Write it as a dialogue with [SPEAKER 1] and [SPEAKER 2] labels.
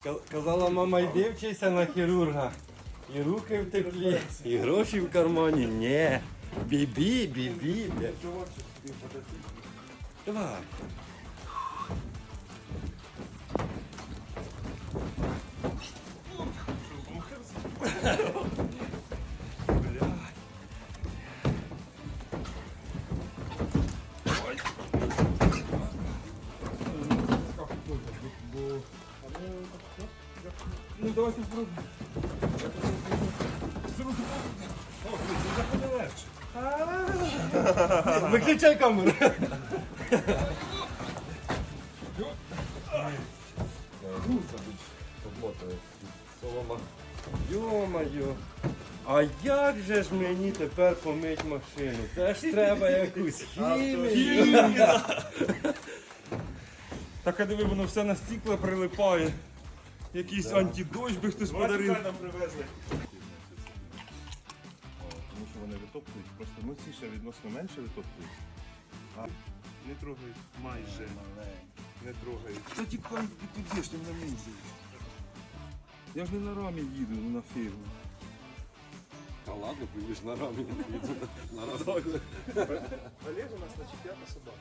[SPEAKER 1] Казала мама, йди вчися на хірурга. І руки в теплі, і гроші в кармані. Ні. Бібі, бібі. Давай.
[SPEAKER 2] Ну давайте спробуємо. Заходи легше.
[SPEAKER 1] Виключай камеру. Йо-моє. А як же ж мені тепер помить машину? Це ж треба якусь хімію.
[SPEAKER 2] Так, а диви, воно все на стікло прилипає. Якийсь антидощ би хтось подарив.
[SPEAKER 3] нам привезли. Тому що вони витоптують, просто ну ці ще відносно менше витоптують. А не трогають майже. Не трогають.
[SPEAKER 2] Та тікай, ти підеш, ти на місці. Я ж не на рамі їду, на фірму.
[SPEAKER 1] Та ладно, поїдеш на рамі. На разок.
[SPEAKER 3] Олег у нас на 5 собака.